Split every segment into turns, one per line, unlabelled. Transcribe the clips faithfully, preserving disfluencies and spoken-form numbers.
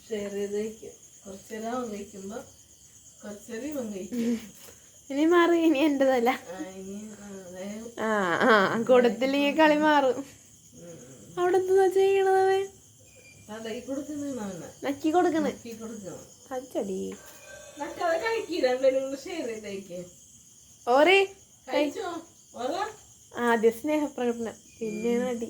Share ചെയ്ത് കഴിക്കും. കുറച്ചേരം അവൻ കഴിക്കുമ്പോ കുറച്ചേരം ഇവൻ കഴിക്കും.
ഇനി മാറി, ഇനി എന്റേതല്ല. ആ ആ കൊടുത്തില്ലെങ്കിൽ കളി മാറും. അവിടെ എന്താ ചെയ്യണത്? നക്കി കൊടുക്കണ അച്ചടി ഓരേ ആദ്യ സ്നേഹപ്രകടനം, പിന്നെ നടി.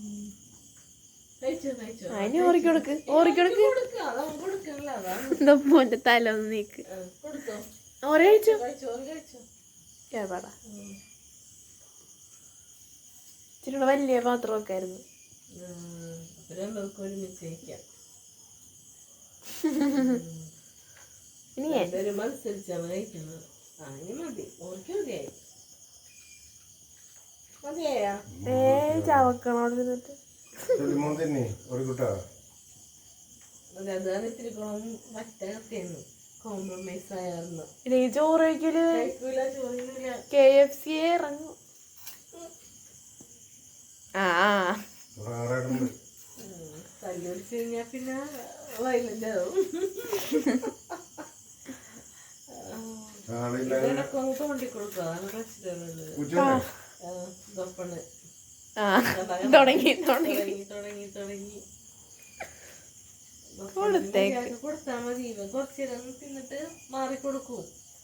അതിന് ഓറിക്കൊടുക്ക്, ഓറിക്കൊടുക്ക്. എന്താ മോന്റെ തല ഒന്ന് നീക്ക്. ഓരോ കഴിച്ചോ കേടാ. ഇച്ചിരി വലിയ പാത്രമൊക്കെ ആയിരുന്നു. ഇനി
മത്സരിച്ചാണ് കഴിക്കുന്നത്. മതി, ഓർക്ക് മതിയായി. മതിയായ
ഏ ചവക്കണോട് നിന്നിട്ട്
അതാണ് ഇത്തിരി കുളം മറ്റേന്ന് കോംപ്രമൈസ് ആയിരുന്നു.
ചോറ് കഴിക്കൂല, കെ എഫ് സി ഇറങ്ങും. ആ
തല്ലുപിടിച്ച് കഴിഞ്ഞാ പിന്നെ വയലന്റ് ആവും. ഇതൊക്കെ ഒന്ന് തോണ്ടിക്കൊടുക്കുക, അതാണ് പ്രശ്നമുള്ളത്. ഗപ്പണ്
തുടങ്ങി തുടങ്ങി
തുടങ്ങി തുടങ്ങി
കൊടുത്തേക്ക്
കൊടുത്താൽ മതി. ഇവ കുറച്ചേരം തിന്നിട്ട് മാറിക്കൊടുക്കും.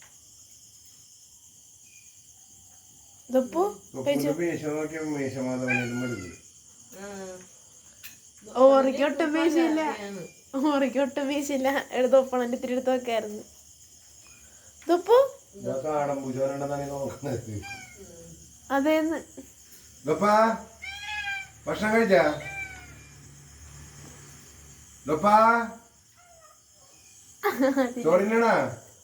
ഓറിക്കൊട്ടും വീശില്ല, ഓറിക്കൊട്ടും വീശില്ല. എടുത്തൊപ്പണന്റെ ഇത്തിരി എടുത്ത് വെക്കായിരുന്നു. ഇതപ്പോ അതേന്ന്
ഭക്ഷണം കഴിച്ചാ ചോറിനാ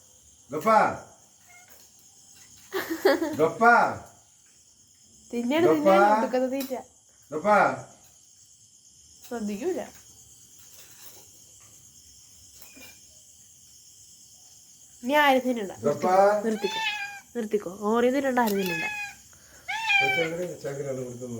തിന്നണ തിന്നണ തീറ്റ ശ്രദ്ധിക്കൂല. ഇനി ആരും തിന്നണ്ട, നിർത്തിക്കോ നിർത്തിക്കോ. ഓരോ തിന്നണ്ട, ആരും തിന്നണ്ട.